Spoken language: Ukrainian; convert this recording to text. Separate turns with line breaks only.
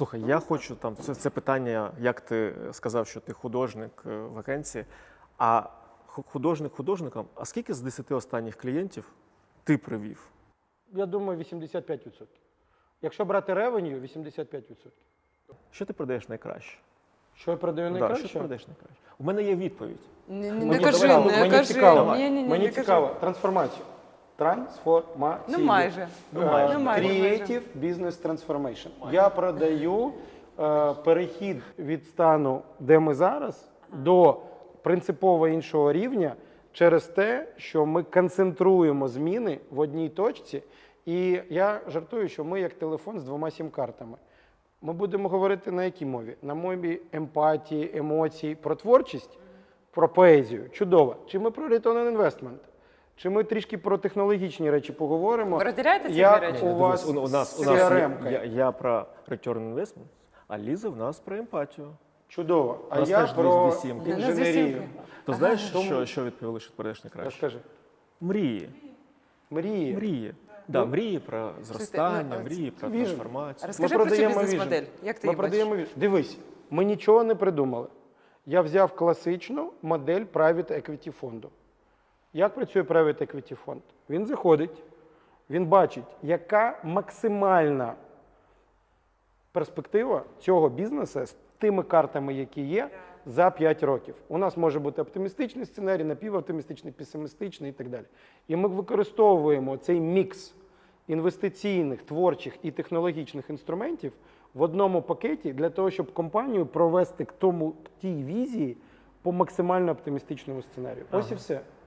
Слухай, я хочу там це питання, як ти сказав, що ти художник в агенції, а художник художником, а скільки з 10 останніх клієнтів ти привів?
Я думаю, 85%. Якщо брати ревеню, 85%.
Що ти продаєш найкраще?
Що я продаю
Да,
найкраще?
що ти продаєш найкраще? У мене є відповідь.
Не кажи,
давай,
не
мені
кажи.
цікаво.
Ні,
Мені цікаво. Трансформацію. Трансформацію.
Ну майже.
Creative Business Transformation. Я продаю перехід від стану, де ми зараз, до принципово іншого рівня через те, що ми концентруємо зміни в одній точці. І я жартую, що ми як телефон з 2 сім-картами. Ми будемо говорити на якій мові? На мові емпатії, емоцій, про творчість, про поезію. Чудово. Чи ми про return on investment? Чи ми трішки про технологічні речі поговоримо?
Ви розділяєте ці
Як
дві речі?
у вас
у нас
CRM-ка?
я про return on investment, а Ліза в нас про емпатію.
Чудово. А
У нас
я
теж
про
дві сімки.
інженерію.
То знаєш, що відповіли, що ти продаєш найкраще?
Розкажи.
Мрії.
Мрії.
Мрії. Да, мрії про зростання,
ну,
мрії про
віжн.
трансформацію.
Розкажи про цю бізнес-модель. Як ти
Ми
її
продаємо
бачиш?
віжн. Дивись, ми нічого не придумали. Я взяв класичну модель private equity фонду. Як працює private equity фонд? Він заходить, він бачить, яка максимальна перспектива цього бізнесу з тими картами, які є, за 5 років. У нас може бути оптимістичний сценарій, напівоптимістичний, песимістичний і так далі. І ми використовуємо цей мікс інвестиційних, творчих і технологічних інструментів в одному пакеті для того, щоб компанію провести к тій візії по максимально оптимістичному сценарію. Ось і все.